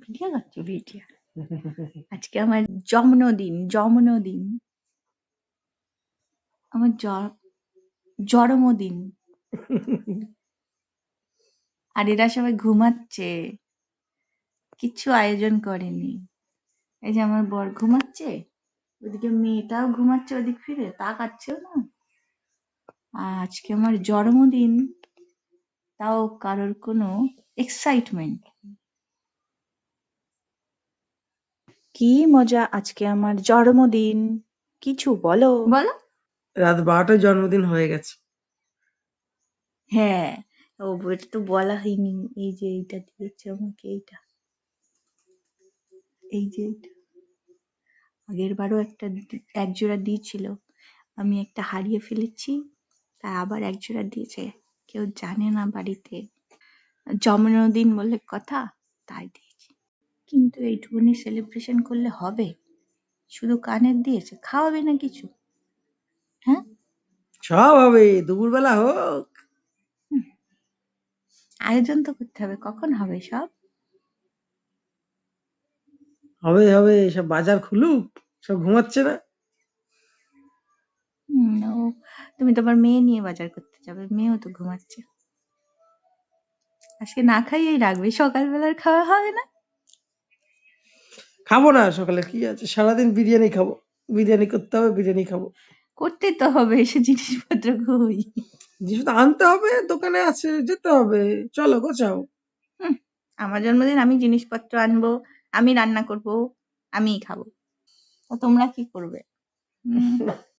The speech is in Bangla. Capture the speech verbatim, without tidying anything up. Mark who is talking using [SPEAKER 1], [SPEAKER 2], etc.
[SPEAKER 1] ভিডিও করছো ভিডিও? আজকে আমার জন্মদিন জন্মদিন আমার জ- জন্মদিন। আর এরা সবাই ঘুমাচ্ছে, কিচ্ছু আয়োজন করেনি। এই যে আমার বর ঘুমাচ্ছে, ওদিকে মেয়েটাও ঘুমাচ্ছে, ওদিক ফিরে তাকাচ্ছেও না। আর আজকে আমার জন্মদিন, তাও কারোর কোনো এক্সাইটমেন্ট। কি মজা, আজকে আমার জন্মদিন, কিছু বলো বলো।
[SPEAKER 2] রাত বারোটায় জন্মদিন হয়ে গেছে।
[SPEAKER 1] হ্যাঁ, ও এটা তো বলা হয়নি। এই যে এইটা দিয়েছে আমাকে, এইটা, এই যে এইটা। আগের বারও একটা দি- এক জোড়া দিয়েছিল, আমি একটা হারিয়ে ফেলেছি, তা আবার এক জোড়া দিয়েছে। কেউ জানে না বাড়িতে, জন্মদিন বলে কথা, তাই দিয়েছি। কিন্তু এইটুকুনি সেলিব্রেশন করলে হবে? শুধু কানের দিয়েছে, খাওয়াবে না কিছু? হ্যাঁ,
[SPEAKER 2] সব হবে, দুপুরবেলা হোক।
[SPEAKER 1] আয়োজন তো করতে হবে, কখন হবে সব?
[SPEAKER 2] হবে হবে, সব বাজার খুলুক, সব ঘুমাচ্ছে না।
[SPEAKER 1] হুম, ও, তুমি তোমার মেয়ে নিয়ে বাজার করতে যাবে, মেয়েও তো ঘুমাচ্ছে। আজকে না খাইয়েই রাখবে, সকালবেলার খাওয়া হবে না?
[SPEAKER 2] খাবো না সকালে, কি আছে, সারাদিন বিরিয়ানি খাবো, বিরিয়ানি করতে হবে, বিরিয়ানি খাবো।
[SPEAKER 1] করতে তো হবে, এসে জিনিসপত্র কই?
[SPEAKER 2] জিনিস তো আনতে হবে, দোকানে আছে, যেতে হবে, চলো গোছাও।
[SPEAKER 1] হুম, আমার জন্মদিন, আমি জিনিসপত্র আনবো, আমি রান্না করব, আমিই খাবো, তা তোমরা কি করবে? হুম,